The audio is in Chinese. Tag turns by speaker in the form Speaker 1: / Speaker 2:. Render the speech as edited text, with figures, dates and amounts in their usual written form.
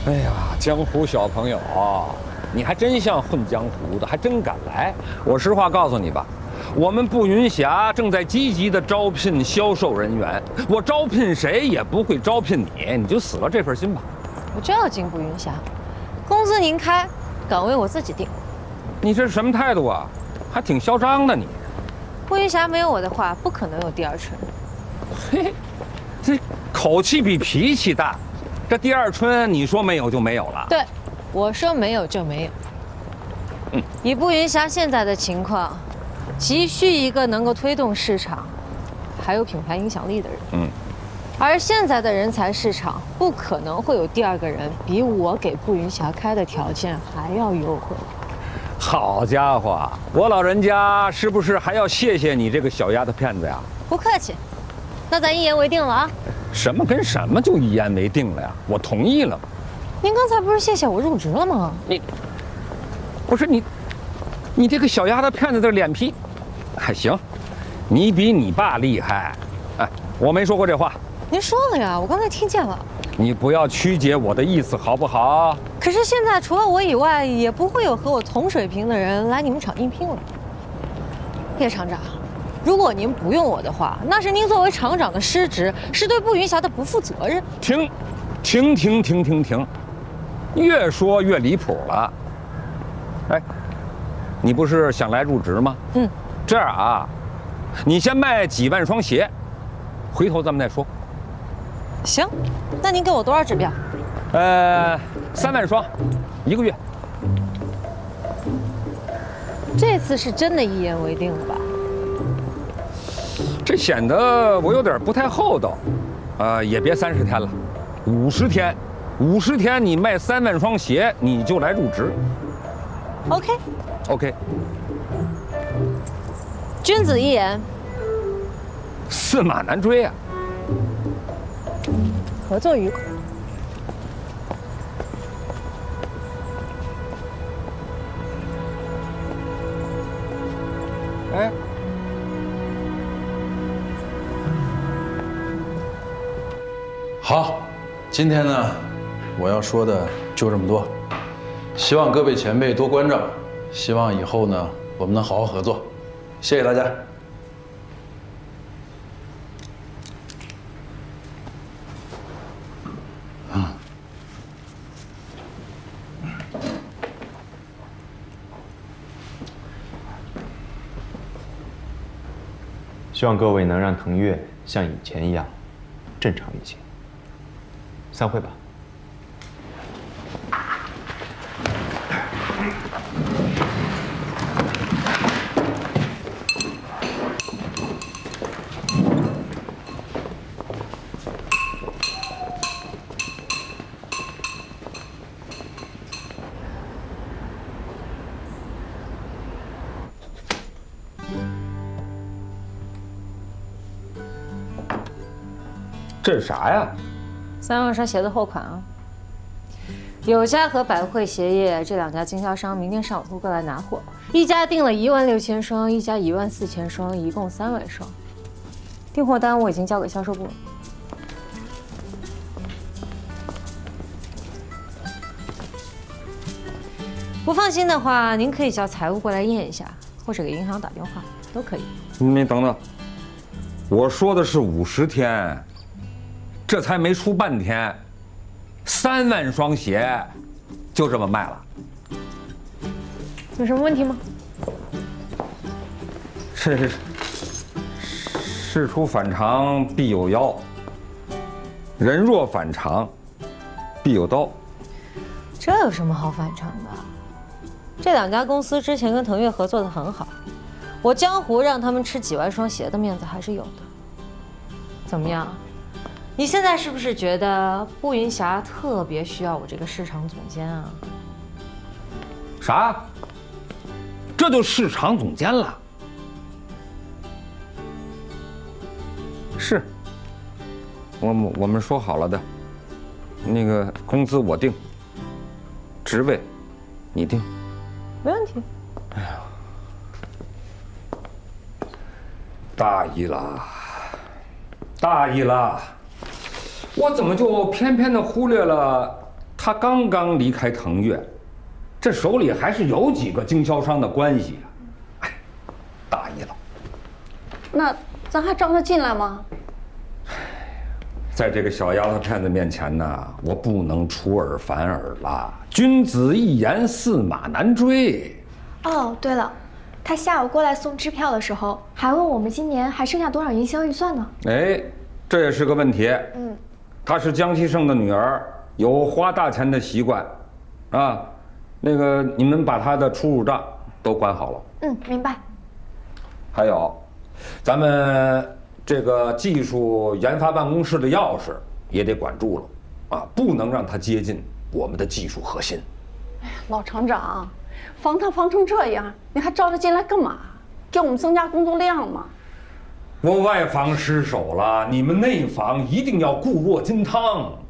Speaker 1: 哎呀，江湖小朋友，你还真像混江湖的，还真敢来。我实话告诉你吧，我们步云霞正在积极的招聘销售人员，我招聘谁也不会招聘你，你就死了这份心吧。
Speaker 2: 我就要进步云霞，工资您开，岗位我自己定。
Speaker 1: 你这是什么态度啊？还挺嚣张的你。
Speaker 2: 步云霞没有我的话，不可能有第二春。
Speaker 1: 嘿，这口气比脾气大。这第二春，你说没有就没有了。
Speaker 2: 对，我说没有就没有。以步云霞现在的情况，急需一个能够推动市场，还有品牌影响力的人。而现在的人才市场，不可能会有第二个人比我给步云霞开的条件还要优惠。
Speaker 1: 好家伙，我老人家是不是还要谢谢你这个小丫头片子呀？
Speaker 2: 不客气，那咱一言为定了啊。
Speaker 1: 什么跟什么就一言为定了呀？我同意了。
Speaker 2: 您刚才不是谢谢我入职了吗？
Speaker 1: 你，不是你，你这个小丫头片子的脸皮，还行，你比你爸厉害。哎，我没说过这话。
Speaker 2: 您说了呀，我刚才听见了。
Speaker 1: 你不要曲解我的意思好不好？
Speaker 2: 可是现在除了我以外，也不会有和我同水平的人来你们厂应聘了。叶厂长，如果您不用我的话，那是您作为厂长的失职，是对步云霞的不负责任。
Speaker 1: 停，越说越离谱了。哎，你不是想来入职吗？这样啊，你先卖几万双鞋，回头咱们再说。
Speaker 2: 行，那您给我多少指标
Speaker 1: ？3万双，1个月。
Speaker 2: 这次是真的一言为定了吧？
Speaker 1: 这显得我有点不太厚道。也别30天了，50天，50天你卖3万双鞋，你就来入职。OK。
Speaker 2: 君子一言，
Speaker 1: 驷马难追啊。
Speaker 2: 合作愉快。
Speaker 1: 哎，
Speaker 3: 好，今天呢，我要说的就这么多。希望各位前辈多关照，希望以后呢，我们能好好合作。谢谢大家。
Speaker 4: 希望各位能让腾越像以前一样正常一些。散会吧。
Speaker 1: 这是啥呀
Speaker 2: 3万双鞋的货款啊。有家和百汇鞋业这2家经销商明天上午会过来拿货，一家订了16000双，一家14000双，一共3万双。订货单我已经交给销售部了。不放心的话，您可以叫财务过来验一下，或者给银行打电话，都可以。
Speaker 1: 你等等，我说的是50天，这才没出半天，3万双鞋就这么卖了，
Speaker 2: 有什么问题吗？
Speaker 1: 这是事出反常必有妖，人若反常必有刀。
Speaker 2: 这有什么好反常的？这2家公司之前跟腾越合作的很好，我江湖让他们吃几万双鞋的面子还是有的。怎么样？你现在是不是觉得步云霞特别需要我这个市场总监啊？
Speaker 1: 啥？这就市场总监了？是，我们说好了的，那个工资我定，职位你定，
Speaker 2: 没问题。
Speaker 1: 哎呀，大意了，大意了，我怎么就偏偏的忽略了他刚刚离开腾越，这手里还是有几个经销商的关系啊。哎，大意了。
Speaker 5: 那咱还招他进来吗？
Speaker 1: 在这个小丫头片子面前呢，我不能出尔反尔了。君子一言，驷马难追。
Speaker 6: 哦，对了，他下午过来送支票的时候，还问我们今年还剩下多少营销预算呢。
Speaker 1: 哎，这也是个问题。她是江西胜的女儿，有花大钱的习惯，啊，那个你们把她的出入账都管好了。
Speaker 6: 明白。
Speaker 1: 还有，咱们这个技术研发办公室的钥匙也得管住了，啊，不能让他接近我们的技术核心。
Speaker 5: 哎呀，老厂长，防他防成这样，你还招他进来干嘛？给我们增加工作量吗？
Speaker 1: 我外防失守了，你们内防一定要固若金汤。